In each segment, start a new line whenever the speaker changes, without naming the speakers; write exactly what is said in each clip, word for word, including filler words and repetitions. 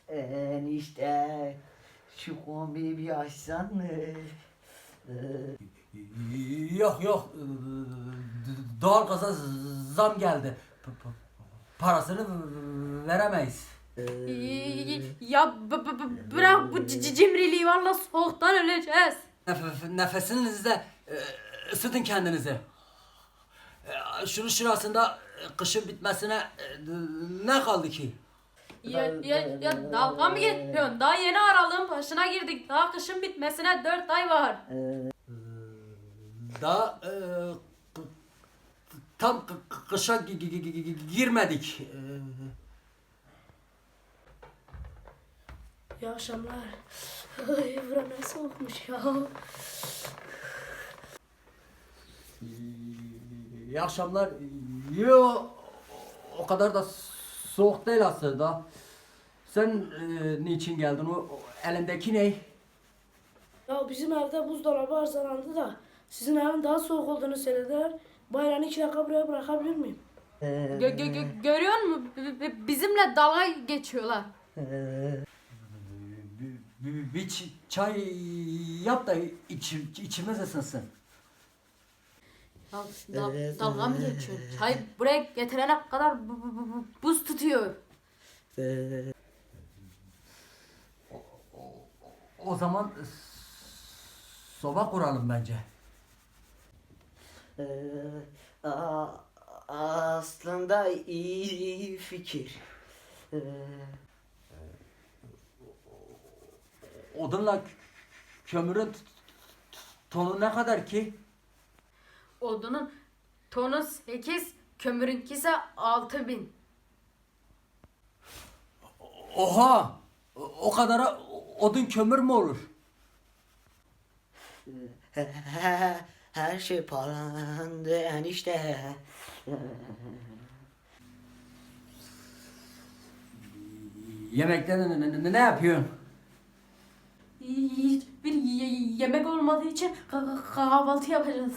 Enişte şu kombiyi bir açsan mı?
Yok yok. Doğalgaza zam geldi. P- p- Parasını veremeyiz.
Ya b- b- b- bırak bu c- c- cimriliği, valla soğuktan öleceğiz.
Nef- nefesinizle e, ısıtın kendinizi. E, Şunun şurasında e, kışın bitmesine e, ne kaldı ki?
Ya, ya, ya dalga mı geçiyorsun? Daha yeni aralığın başına girdik. Daha kışın bitmesine dört ay var.
Daha e, k- tam k- k- kışa gi- gi- gi- gi- girmedik. E,
İyi akşamlar. Ay bura ne soğukmuş ya.
İyi akşamlar. Yo, o kadar da soğuk değil aslında. Sen e, niçin geldin? O, o elindeki ne?
Ya bizim evde buzdolabı arızalandı da sizin evin daha soğuk olduğunu söylediler. Bayrağını iki dakika buraya bırakabilir miyim?
Gö- gö- gö- görüyor musun? B- b- Bizimle dalga geçiyorlar.
Bir, bir, bir ç- çay yap da iç, içimiz ısınsın.
Ya, da- dalga mı geçiyor? Çay buraya getirene kadar bu- bu- bu- bu- buz tutuyor.
O zaman soba kuralım bence.
Aa, aslında iyi fikir.
Odunla k- kömürün t- t- tonu ne kadar ki?
Odunun tonu sekiz, kömürünki ise altı bin.
Oha! O o kadara odun kömür mü olur?
Her şey pahalandı enişte.
Yemekte ne, ne, ne- ne yapıyorsun?
Hiçbir ye- yemek olmadığı için ka- kahvaltı yapacağız.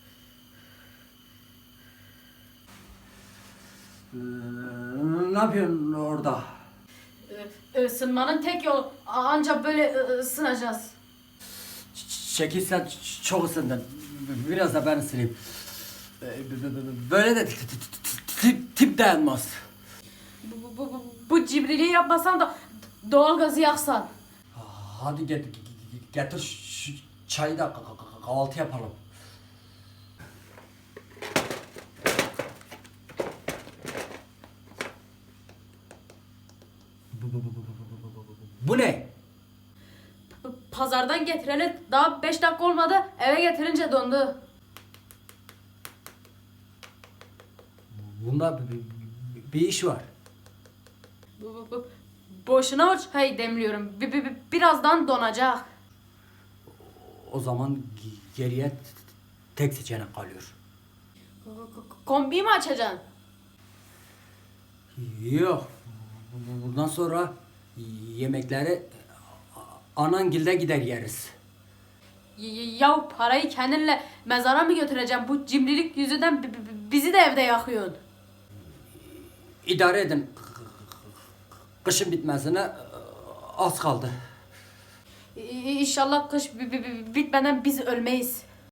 Ee, ne yapıyorsun orada?
Ee, Isınmanın tek yolu ancak böyle ı- ısınacağız.
Ç- Şekil sen ç- çok ısındın. Biraz da ben ısınayım. Ee, b- b- b- Böyle de t- t- t- tip, tip dayanmaz.
Bu, bu, bu, bu cibriliği yapmasan da doğalgazı yaksan.
Hadi get, getir şu çayı da k- k- kahvaltı yapalım. Bu- bu- bu- bu- bu- bu- bu- bu- bu- Bu ne?
P- Pazardan getireli daha beş dakika olmadı, eve getirince dondu.
Bunda bir, bir- bir iş var.
Bu, bu, bu, boşuna o çayı demliyorum. Bi- bi- bi- birazdan donacak.
O zaman g- geriye t- tek seçenek kalıyor.
K- k- Kombiyi mi açacaksın?
Yok. Bundan sonra yemekleri anangilde gider yeriz.
Y- y- Ya parayı kendinle mezara mı götüreceğim? Bu cimrilik yüzünden bi- bi- bizi de evde yakıyorsun.
İdare edin. Kışın bitmesine az kaldı.
İ- İnşallah kış bi- bi- bi- bitmeden biz ölmeyiz.